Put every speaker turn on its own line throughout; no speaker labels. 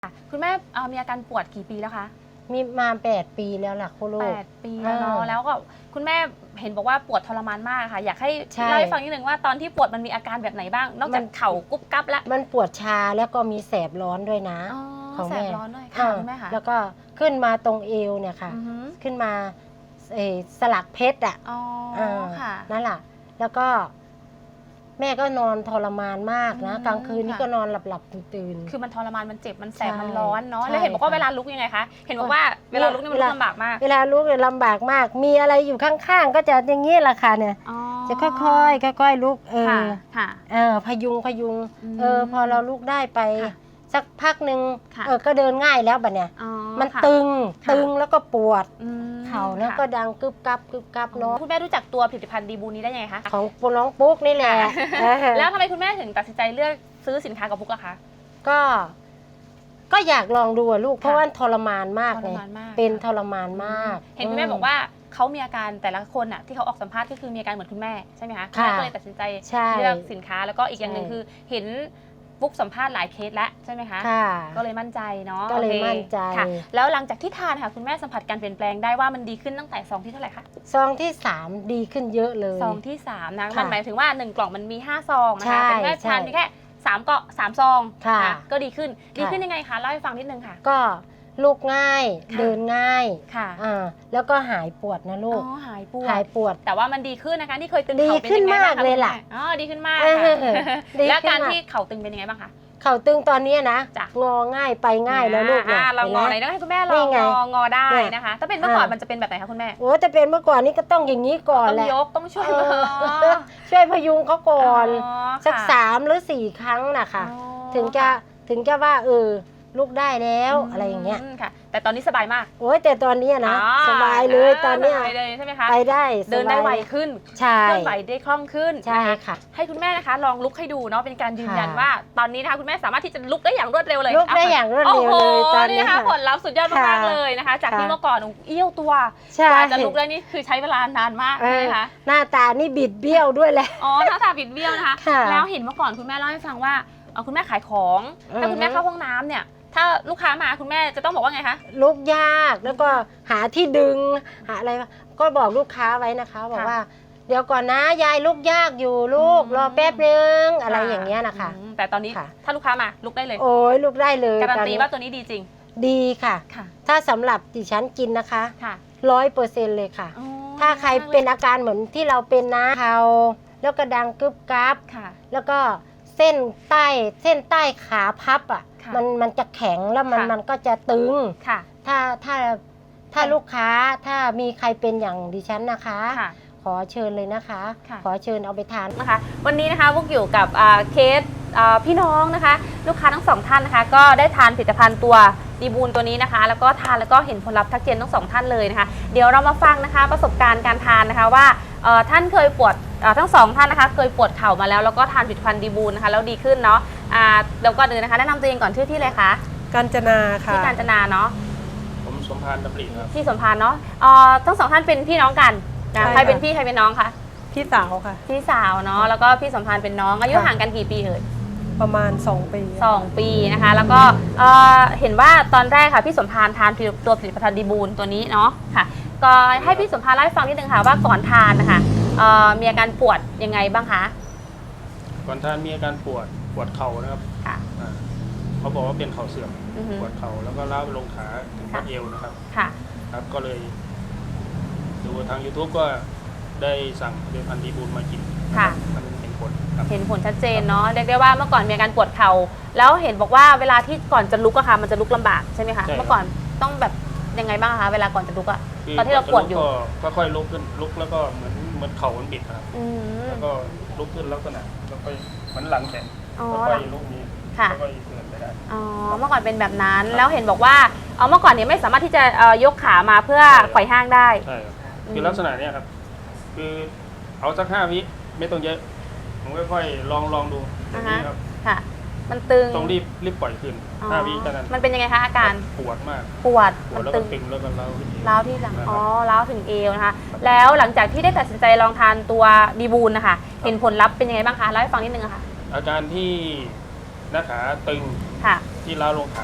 คุณแม่มีอาการปวดกี่ปีแล้วคะ
มีมา8 ปีแล้วล่ะคุณลูก
8 ปีแล้วเนาะแล้วก็คุณแม่เห็นบอกว่าปวดทรมานมากค่ะอยากให้เล่าให้ฟังนิดนึงว่าตอนที่ปวดมันมีอาการแบบไหนบ้างนอกจากเข่ากุ๊บกั๊บแล้ว
มันปวดชาแล้วก็มีแสบร้อนด้วยนะ
ของแสบร้อนด้วยค่ะคุณแม่ค่ะ
แล้วก็ขึ้นมาตรงเอวเนี่ยค่ะขึ้นมาสลักเพชรอ่ะ
ค่ะ
นั่นแหละแล้วก็แม่ก็นอนทรมานมากนะกลางคืนนี่ก็นอนหลับตื่น
คือมันทรมานมันเจ็บมันแสบมันร้อนเนาะแล้วเห็นบอกว่าเวลาลุกยังไงคะเห็นบอกว่าเวลาลุกนี่มันลำบากมาก
เวลาลุกเนี่ยลำบากมากมีอะไรอยู่ข้างๆก็จะอย่างนี้แหละค่ะเนี่ยจะค่อยๆลุกพยุงพอเราลุกได้ไปสักพักหนึ่งก็เดินง่ายแล้วบัดเนี่ยมันตึงแล้วก็ปวดเข่าแล้วก็ดังกึบกับเนาะ
คุณแม่รู้จักตัวผลิตภัณฑ์ดีบูนี้ได้ยังไงคะ
ของน้องปุ๊กนี่แหละ
แล้วทำไมคุณแม่ถึงตัดสินใจเลือกซื้อสินค้ากับปุ๊กล่ะคะ
ก็อยากลองดูลูกเพราะว่าทรมานมากเลยเป็นทรมานมาก
เห็นคุณแม่บอกว่าเขามีอาการแต่ละคนอ่ะที่เขาออกสัมภาษณ์ก็คือมีอาการเหมือนคุณแม่ใช่ไหมคะคุณแม่ก็เลยตัดสินใจเลือกสินค้าแล้วก็อีกอย่างหนึ่งคือเห็นปุ๊กสัมภาษณ์หลายเคสแล้วใช่ไหมคะก็เลยมั่นใจเนาะ
ก็เลยมั่นใจ
แล้วหลังจากที่ทานค่ะคุณแม่สัมผัสการเปลี่ยนแปลงได้ว่ามันดีขึ้นตั้งแต่ซองที่เท่าไหร่คะ
ซองที่3ดีขึ้นเยอะเลย
ซองที่3นะมันหมายถึงว่า1กล่องมันมี5ซองนะคะแต่แม่ทานแค่3ซองก็ดีขึ้นยังไงคะเล่าให้ฟังนิดนึงค่ะ
ก็ลุกง่ายเดินง่ายค่ะแล้วก็หายปวดนะลูก
หายปวดแต่ว่ามันดีขึ้นนะคะที่เคยตึงเข่าเป็น
ยังไงบ้างคะเลยล่ะ
ดีขึ้นมากแล้วการที่เข่าตึงเป็นยังไงบ้างคะ
เข่าตึงตอนนี้นะงอง่ายไปง่ายแล้วลูก
เรางอไหนต้องให้คุณแม่ลองงอได้นะคะถ้าเป็นเมื่อก่อนมันจะเป็นแบบไหนคะคุณแม่
โอ้จะเป็นเมื่อก่อนนี่ก็ต้องอย่างนี้ก่อนแหละ
ต้องยกต้องช่
วยพยุงเขาก่อนสัก3 หรือ 4 ครั้งนะคะถึงจะว่าลุกได้แล้วอะไรอย่างเงี้ย
ค่ะแต่ตอนนี้สบายมาก
โอ้ยแต่ตอนนี้นะสบายเลยตอนนี้
ใช่ไหมคะ
ไปได้
เดินได้ไวขึ้น
ใช่
เคลื่อนไหวได้คล่องขึ้น
ใช่ค่ะ
ให้คุณแม่นะคะลองลุกให้ดูเนาะเป็นการยืนยันว่าตอนนี้นะคะคุณแม่สามารถที่จะลุกได้อย่างรวดเร็วเลย
ลุกได้อย่างรวดเร็วเลยตอนนี้
นะคะผลลัพธ์สุดยอดมากเลยนะคะจากที่เมื่อก่อนเอี้ยวตัวกว่าจะลุกได้นี่คือใช้เวลานานมากใช่ไหมคะ
หน้าตานี่บิดเบี้ยวด้วยแหละ
หน้าตาบิดเบี้ยวนะคะแล้วเห็นเมื่อก่อนคุณแม่เล่าให้ฟังว่าคุณแม่ขายของถ้าคุณแม่เข้าห้องน้ำเนี่ยถ้าลูกค้ามาคุณแม่จะต้องบอกว่าไงคะ
ลุกยากแล้วก็หาที่ดึงหาอะไรก็บอกลูกค้าไว้นะคะบอกว่าเดี๋ยวก่อนนะยายลุกยากอยู่ลูกรอแป๊บนึงอะไรอย่างเงี้ยนะคะ
แต่ตอนนี้ถ้าลูกค้ามาลุกได้เลย
โอ้ยลุกได้เลย
การันตีว่าตัวนี้ดีจริง
ดีค่ะถ้าสำหรับดิฉันกินนะคะ100%เลยค่ะถ้าใครเป็นอาการเหมือนที่เราเป็นนะเข่าแล้วก็ดังกึบกับแล้วก็เส้นใต้ขาพับอ่ะมันจะแข็งแล้วมันก็จะตึงถ้าลูกค้าถ้ามีใครเป็นอย่างดิฉันนะคะขอเชิญเลยนะคะขอเชิญเอาไปทาน
นะคะวันนี้นะคะพวกอยู่กับเคสพี่น้องนะคะลูกค้าทั้ง2ท่านนะคะก็ได้ทานผลิตภัณฑ์ตัวดีบูนตัวนี้นะคะแล้วก็ทานแล้วก็เห็นผลลัพธ์ทักเจนทั้ง2ท่านเลยนะคะเดี๋ยวเรามาฟังนะคะประสบการณ์การทานนะคะว่าท่านเคยปวดทั้ง2ท่านนะคะเคยปวดเข่ามาแล้วก็ทานผลิตภัณฑ์ดีบูนนะคะแล้วดีขึ้นเนาะแล้วก็เดินนะคะแนะนำตัวเองก่อนชื่อที่เลยคะ
กาญจนาค่ะ
ที่กาญจนาเนาะ
ผมสมพานดำริครับ
ที่สมพานเนาะทั้ง2ท่านเป็นพี่น้องกันใครเป็นพี่ใครเป็นน้องคะ
พี่สาวค่ะ
พี่สาวเนาะแล้วก็พี่สมพานเป็นน้องอายุห่างกันกี่ปีเอ่ย
ประมาณ2 ปี
2 ปีนะคะแล้วก็เห็นว่าตอนแรกค่ะพี่สมพานทานตัวผลิตภัณฑ์ดีบูนตัวนี้เนาะค่ะก็ให้พี่สมพานเล่าให้ฟังนิดนึงค่ะว่าก่อนทานนะคะมีอาการปวดยังไงบ้างคะ
ก่อนทานมีอาการปวดเข่านะครับเขาบอกว่าเป็นเข่าเสื่อมปวดเข่าแล้วก็ล้าวไปลงขาถึงข้อเอวนะครับครับก็เลยดูทาง YouTube ก็ได้สั่งผลิตภัณฑ์ดีบูนมากินมันเห็นผล
ชัดเจนเนาะเรียกได้ว่าเมื่อก่อนมีอาการปวดเข่าแล้วเห็นบอกว่าเวลาที่ก่อนจะลุกอะค่ะมันจะลุกลำบากใช่ไหมคะเมื่อก่อนต้องแบบยังไงบ้างคะเวลาก่อนจะลุกอะตอนที่เราปวดอยู่
ก็ค่อยลุกขึ้นลุกแล้วก็เหมือนเข่ามันบิดครับแล้วก็ลุกขึ้นลักษณะแล้วก็เหมือนหลังแข็งค่อยลุกนี้ค่อยเดินไปได้
เมื่อก่อนเป็นแบบนั้นแล้วเห็นบอกว่าเมื่อก่อนเนี่ยไม่สามารถที่จะยกขามาเพื่อไขว่ห้างได้
ใช่ครับคือลักษณะนี้ครับคือเอาสัก5 วิไม่ต้องเยอะผมค่อยๆลองดูอย่างนี้ครับ
ค่ะมันตึง
ต้องรีบปล่อยขึ้น5 วิเท่านั้น
มันเป็นยังไงคะอาการ
ปวดมาก
มัน
ตึงแล้วก็
ร้าวที่หลังร้าวถึงเอวนะคะแล้วหลังจากที่ได้ตัดสินใจลองทานตัวดีบูนนะคะเห็นผลลัพธ์เป็นยังไงบ้างคะเล่าให้ฟังนิดนึงค่ะ
อาการที่หน้าขาตึงที่ร้าวลงขา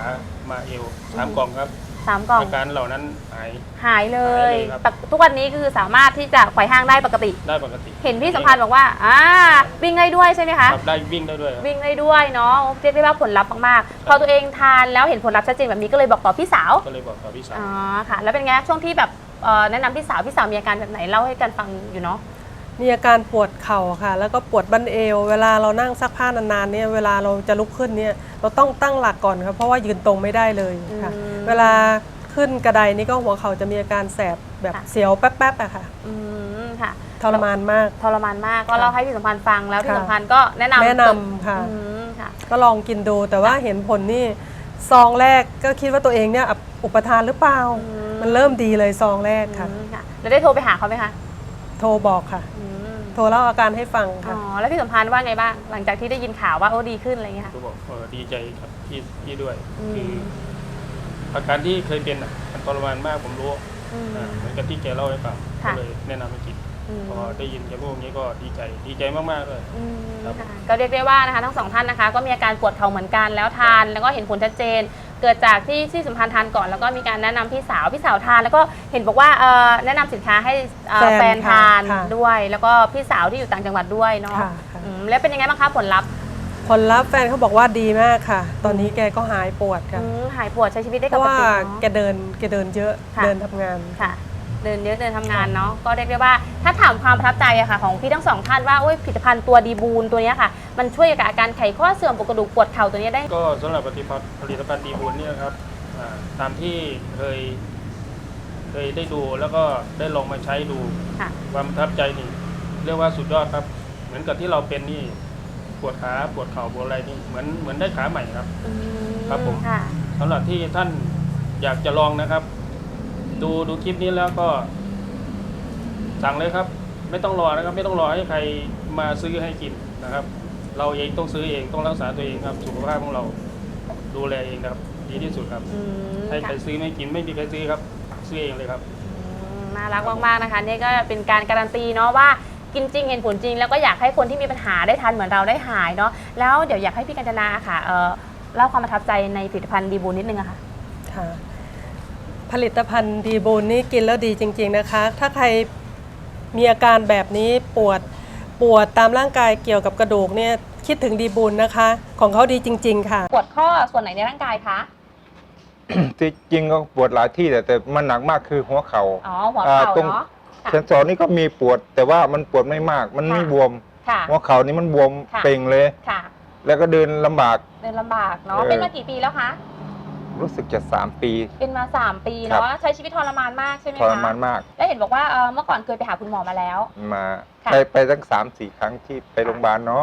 มาเอว3 กล่องครับ
3 กล่อง
อาการเหล่านั้น
หายเลย
ครับ
ทุกวันนี้คือสามารถที่จะไขว่ห้างได้ปกติ
ได้ปกติ
เห็นพี่สัมพันธ์บอกว่าวิ่งได้ด้วยใช่ไหมคะ
ครับได้วิ่งได้ด้วยครับ
วิ่งได้ด้วยเนาะเรียกได้ว่าผลลัพธ์มากๆพอตัวเองทานแล้วเห็นผลลัพธ์ชัดเจนแบบนี้ก็เลยบอกต่อพี่สาว
ก็เลยบอกกับพี่สาว
อ๋อค่ะแล้วเป็นไงช่วงที่แบบแนะนำพี่สาวมีอาการแบบไหนเล่าให้กันฟังอยู่เนาะ
มีอาการปวดเข่าค่ะ แล้วก็ปวดบั้นเอว เวลาเรานั่งซักผ้านานๆเนี่ยเวลาเราจะลุกขึ้นเนี่ยเราต้องตั้งหลักก่อนครับเพราะว่ายืนตรงไม่ได้เลยค่ะ เวลาขึ้นกระไดนี่ก็หัวเข่าจะมีอาการแสบแบบเสียวแป๊บๆอะค่ะ
ค่ะ
ทรมานมาก
ทรมานมากก็เล่าให้พี่สัมพันธ์ฟังแล้วพี่สัมพันธ์ก็แนะนำ
ค่ะ
ค่ะ
ก็ลองกินดูแต่ว่าเห็นผลนี่ซองแรกก็คิดว่าตัวเองเนี่ยอุปทานหรือเปล่า มันเริ่มดีเลยซองแรกค่ะ
แล้วได้โทรไปหาเขาไหมคะ
โทรบอกค่ะ โทรเล่าอาการให้ฟัง
อ๋
ค่ะ
อแล้วพี่สัมพันธ์ว่าไงบ้างหลังจากที่ได้ยินข่าวว่าดีขึ้นอะไรเงี้ยค่ะ
ก็บอกดีใจครับพี่ด้วยคืออาการที่เคยเป็นมันทรมานมากผมรู้เหมือนกับที่แกเล่าให้ฟังก็เลยแนะนำให้กินพอได้ยินแกพูดอย่างนี้ก็ดีใจมากๆเลยครับ
ก็เรียกได้ว่านะคะทั้งสองท่านนะคะก็มีอาการปวดเข่าเหมือนกันแล้วทานแล้วก็เห็นผลชัดเจน เกิดจากที่พี่สัมพันธ์ทานก่อนแล้วก็มีการแนะนำพี่สาวทานแล้วก็เห็นบอกว่าแนะนำสินค้าให้แฟนทานด้วย แล้วก็พี่สาวที่อยู่ต่างจังหวัดด้วยเนาะแล้วเป็นยังไงบ้างคะผลลัพธ์
แฟนเขาบอกว่าดีมากค่ะ ตอนนี้แกก็หายปวดค่ะ
หายปวดใช้ชีวิตได้
เพ
ปก
ราะว่า
ติ
แกเดินเยอะเดินทำงาน
ค่ะเดินเยอะเดินทำงานเนาะก็เรียกได้ว่าถ้าถามความประทับใจอะค่ะของพี่ทั้งสองท่านว่าผลิตภัณฑ์ตัวดีบูนตัวนี้ค่ะมันช่วยกับอาการไขข้อเสื่อมปวดกระดูกปวดเข่าตัวนี้ได้
ก็สำหรับผลิตภัณฑ์ดีบุญเนี่ยครับตามที่เคยได้ดูแล้วก็ได้ลองมาใช้ดูความประทับใจนี่เรียกว่าสุดยอดครับเหมือนกับที่เราเป็นนี่ปวดขาปวดเข่าปวดอะไรนี่เหมือนได้ขาใหม่ครับครับผมสำหรับที่ท่านอยากจะลองนะครับดูคลิปนี้แล้วก็สั่งเลยครับไม่ต้องรอนะครับไม่ต้องรอให้ใครมาซื้อให้กินนะครับเราเองต้องซื้อเองต้องรักษาตัวเองครับสุขภาพของเราดูแลเองครับดีที่สุดครับให้ใครซื้อไม่กินไม่มีใครซื้อครับซื้อเองเลยครับ
น่ารักมากๆนะคะนี่ก็เป็นการการันตีเนาะว่ากินจริงเห็นผลจริงแล้วก็อยากให้คนที่มีปัญหาได้ทานเหมือนเราได้หายเนาะแล้วเดี๋ยวอยากให้พี่กัญจนาค่ะเล่าความประทับใจในผลิตภัณฑ์ดีบูนนิดนึงอะค่ะ
ผลิตภัณฑ์ดีบูนนี่กินแล้วดีจริงๆนะคะถ้าใครมีอาการแบบนี้ปวดตามร่างกายเกี่ยวกับกระดูกเนี่ยคิดถึงดีบูนนะคะของเขาดีจริงๆค่ะ
ปวดข้อส่วนไหนในร่างกายคะ
ที่จริงก็ปวดหลายที่แต่มันหนักมากคือหัวเข่า
หัวเข่าเนาะ
เซนสอนนี่ก็มีปวดแต่ว่ามันปวดไม่มากมันไม่บวมหัวเข่านี่มันบวมเป่งเลยแล้วก็เดินลำบาก
เนาะเป็นมากี่ปีแล้วคะ
รู้สึกจะ3 ปี
เป็นมา3 ปีเนาะใช้ชีวิตทรมานมากใช่ไหมคะ
ทรมานมาก
แล้วเห็นบอกว่าเมื่อก่อนเคยไปหาคุณหมอมาแล้ว
ไปตั้ง3-4 ครั้งที่ไปโรงพยาบาลเนาะ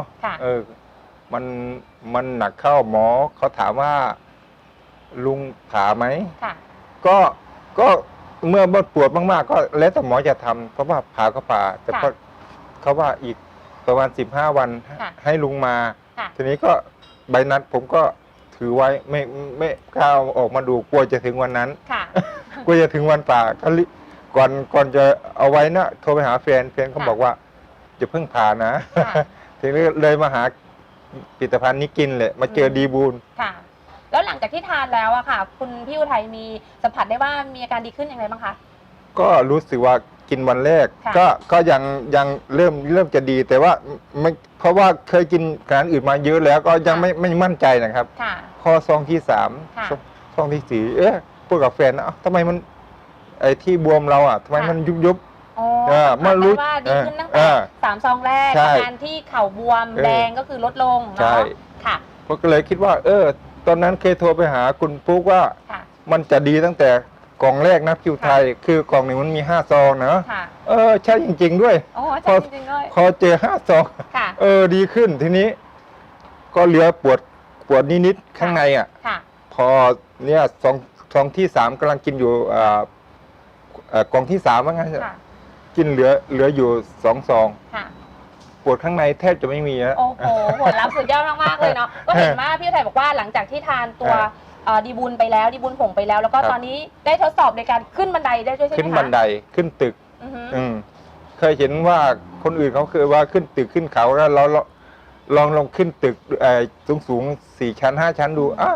มันหนักเข้าหมอเขาถามว่าลุงผ่าไหมก็เมื่อปวดมากๆก็แล้วแต่หมอจะทำเพราะว่าผ่าก็ผ่าแต่เขาว่าอีกประมาณ15 วันให้ลุงมาทีนี้ก็ใบนัดผมก็ถือไว้ไม่กล้าออกมาดูกลัวจะถึงวันนั้นกลัวจะถึงวันผ่าก่อนจะเอาไว้นะโทรไปหาแฟนเขาบอกว่าจะเพิ่งผ่านะทีนี้เลยมาหาผลิตภัณฑ์นี้กินเลยมาเจอดีบูน
แล้วหลังจากที่ทานแล้วอะค่ะคุณพี่อุทัยมีสัมผัสได้ว่ามีอาการดีขึ้นอย่างไรบ้างคะ
ก็รู้สึกว่ากินวันแรกก็ยังเริ่มจะดีแต่ว่าไม่เพราะว่าเคยกินอาหารอื่นมาเยอะแล้วก็ยังไม่มั่นใจนะครับพอซองที่3ซองที่4พูดกับแฟนนะทำไมมันไอ้ที่บวมเราอ่ะทำไมมันยุบ
เมื่อรู้ว่าดีขึ้นตั้งแต่3 ซองแรกอาการที่เข่าบวมแดงก็คือลดลงเนาะค่ะ
ก็เลยคิดว่าตอนนั้นเคยโทรไปหาคุณปุ๊กว่ามันจะดีตั้งแต่กล่องแรกนะคิวไทยคือกล่องหนึ่งมันมี5 ซองนะใช่จริงๆด้วยพอเจอ5 ซองดีขึ้นทีนี้ก็เหลือปวดนิดๆข้างในอ่ะพอเนี่ยซองที่3กำลังกินอยู่กล่องที่3ว่างั้นกินเหลืออยู่2 ซองปวดข้างในแทบจะไม่มี
โอ้โหผลลัพธ์สุดยอดมากๆเลยเนาะก็เห็นว่าพี่ไทยบอกว่าหลังจากที่ทานตัวดีบุญไปแล้วดีบุญผงไปแล้วแล้วก็ตอนนี้ได้ทดสอบในการขึ้นบันไดได้ด้วยใช่ไหมคะ
ขึ้นบันไดขึ้นตึกเคยเห็นว่าคนอื่นเขาเคยว่าขึ้นตึกขึ้นเขาแล้วเราลองขึ้นตึกสูง4 ชั้น 5 ชั้นดู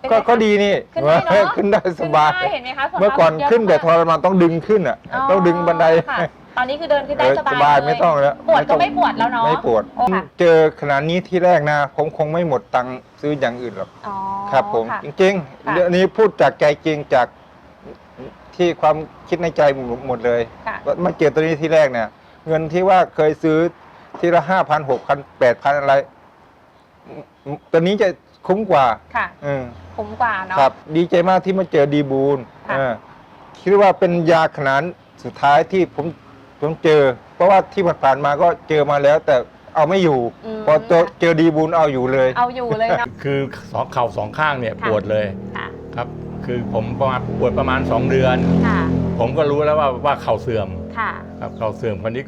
เป็นไงคะ
ก็ดีนี่
ขึ้นได้เนอะ
ขึ้นได้สบาย
ขึ้นได้เห็นไหมคะผลลัพธ์
เมื่อก่อน
สุดยอด
ขึ้นแต่
มาก
ทรมานต้องดึงขึ้นอ่ะต้องดึงบันได
ค่ะตอนนี้คือเดินขึ้นได้สบาย
สบาย
เลย
ไม่ต้องแล้ว
ปวดก็
ต้อง
ไม่ปวดแล้วเนาะ
ไม่ปวด
โอ้ค่ะ
เจอขนาดนี้ที่แรกนะผมคงไม่หมดตังค์ซื้ออย่างอื่นหรอก
อ๋อ
ครับผม
ค่ะ
จริง
ค่ะ
ๆเรื่องนี้พูดจากใจจริงจากที่ความคิดในใจหมดเลย
ค่ะ
มาเจอตัวนี้ที่แรกเนี่ย เงินที่ว่าเคยซื้อทีละ5,000 6,000 8,000อะไรตัวนี้จะคุ้มกว่า
ค่ะ
อืม
คุ้มกว่าเนาะ
ครับ ดีใจมากที่มาเจอดีบูล
ค่ะ
คิดว่าเป็นยาขนาดสุดท้ายที่ผมเจอ เพราะว่าที่ผ่านๆมาก็เจอมาแล้ว แต่เอาไม่อยู่ พอเจอดีบูลเอาอยู่เลย
เอาอยู่เลยเนาะ
คือเข่าสองข้างเนี่ย
ค่ะ
ปวดเลย
ค่ะ
ครับ คือผมปวดประมาณ 2 เดือน
ค่ะ
ผมก็รู้แล้วว่าเข่าเสื่อม
ค่ะ
ครับเข่าเสื่อมคนนี้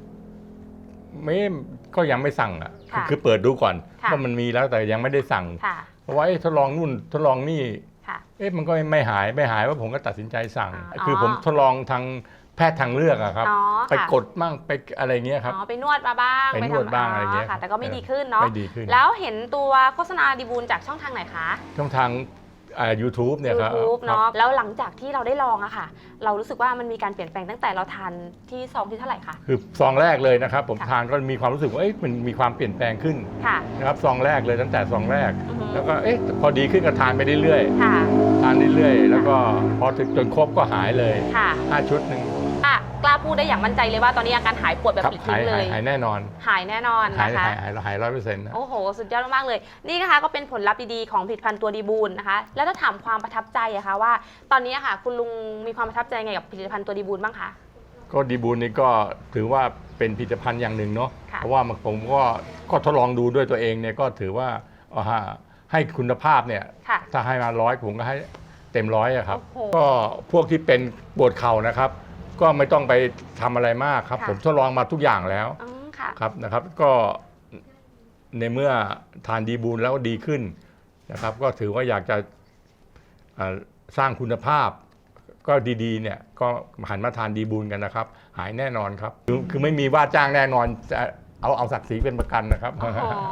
ก็ยังไม่สั่งอ่ะ
ค่ะ
คือเปิดดูก่อน
ค่ะ
ว่ามันมีแล้วแต่ยังไม่ได้สั่ง
ค่ะ
เพราะว่าทดลองนู่นทดลองนี่
ค่ะ
มันก็ไม่หายว่าผมก็ตัดสินใจสั่ง
อ๋อ
คือผมทดลองทางแพทย์ทางเลือกอะครับ
อ๋อ
ไป
ค่ะ
กดมั่งไปอะไรเงี้ยครับ
อ๋อไปนวดมาบ้าง
ไปนวดบ้างอะไรเงี้ย
ค่ะ แต่ก็ไม่ดีขึ้นเนาะ
ไม่ดีขึ้น
แล้วเห็นตัวโฆษณาดีบูลจากช่องทางไหนคะ
ช่องทาง YouTube เนี่ยครับ
YouTube
ครับ
เนาะแล้วหลังจากที่เราได้ลองอะค่ะ เรารู้สึกว่ามันมีการเปลี่ยนแปลงตั้งแต่เราทานที่ซองที่เท่าไหร่คะ
คือซองแรกเลยนะครับ ผม
ค่ะ
ทานก็มีความรู้สึกว่ามันมีความเปลี่ยนแปลงขึ้น
ค่ะ
นะครับซองแรกเลยตั้งแต่ซองแรก
อือฮึ
แล้วก็พอดีขึ้นก็ทานไปเรื่อย
ค่ะ
ๆทานเรื่อยๆแล้วก็พอถึงจนครบก็หายเลย
ค่ะ
5 ชุดหนึ่ง
อ่ะกล้าพูดได้อย่างมั่นใจเลยว่าตอนนี้อาการหายปวดแบบ
ครับ
ปลิดทิ้งเลย
หายแน่นอน
หายแน่นอน
หาย
นะคะ
100%นะ
โอ้โห สุดยอดมากๆเลย นี่นะคะก็เป็นผลลัพธ์ดีๆของผลิตภัณฑ์ตัวดีบูลนะคะ แล้วถ้าถามความประทับใจอะคะว่า ตอนนี้อะค่ะ คุณลุงมีความประทับใจไงกับผลิตภัณฑ์ตัวดีบูลบ้างคะ
ก็ดีบูลนี่ก็ถือว่าเป็นผลิตภัณฑ์อย่างหนึ่งเนาะ
ค่ะ
เพราะว่าผมก็ทดลองดูด้วยตัวเองเนี่ยก็ถือว่าให้คุณภาพเนี่ย
ค่ะ
ถ้าให้มา100ผมก็ให้เต็ม100อะครับ
โอ้โห
ก็พวกที่เป็นปวดเข่านะครับ ก็ไม่ต้องไปทำอะไรมากครับ
ค่ะ
ผมทดลองมาทุกอย่างแล้ว
อืมค่ะ
ครับนะครับ ก็ในเมื่อทานดีบูลแล้วดีขึ้นนะครับ ก็ถือว่าอยากจะสร้างคุณภาพ ก็ดีๆเนี่ยก็หันมาทานดีบูลกันนะครับ หายแน่นอนครับคือไม่มีว่าจ้างแน่นอนจะเอาศักดิ์ศรีเป็นประกันนะครับ
โอ้โห